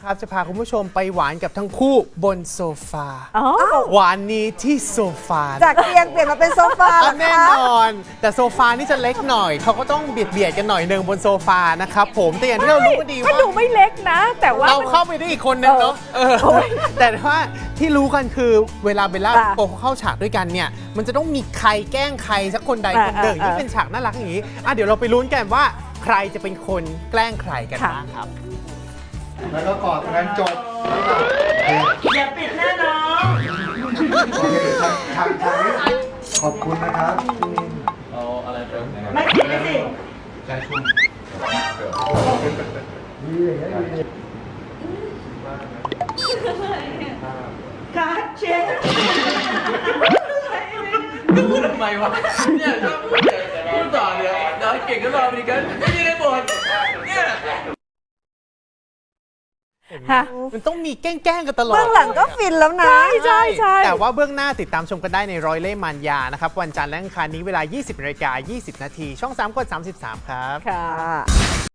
ครับจะพาคุณผู้ชมไปหวานกับทั้งคู่บนโซฟาอ๋อหวานนี้ที่โซฟาจากเตียงเปลี่ยนมาเป็นโซฟาเหรอแน่คะนอน แต่โซฟานี่จะเล็กหน่อยเขาก็ต้องเบียดกันหน่อยหนึ่งบนโซฟานะครับผมแต่อย่างที่เรารู้กันดีก็ว่าดูไม่เล็กนะ แต่ว่าเรามันเข้าไปได้อีกคนนึงเนาะแต่ว่าที่รู้กันคือเวลาเบลล่าอ่ะโปเข้าฉากด้วยกันเนี่ยมันจะต้องมีใครแกล้งใครสักคนใดคนหนึ่งที่เป็นฉากน่ารักอย่างนี้เดี๋ยวเราไปลุ้นกันว่าใครจะเป็นคนแกล้งใครกันบ้างครับแล้วก็กอดกันจบอย่าปิดหน้าน้องโอเคทางนี้ขอบคุณนะครับไม่ปิดเลยสิใจชุ่มดีอย่างเงี้ยดีการดเช็คพูดทำไมวะเนี่ยชอบพูดต่อเดี๋ยวเก่งก็รอไปดีกันไม่มีในบทเนี่ยฮะมันต้องมีแกล้งกันตลอดเบื้องหลังก็ฟินแล้วนะใช่แต่ว่าเบื้องหน้าติดตามชมกันได้ในร้อยเล่ห์มารยานะครับวันจันทร์และอังคารนี้เวลา 20:20 น. ช่อง 3 กด 33 ครับค่ะ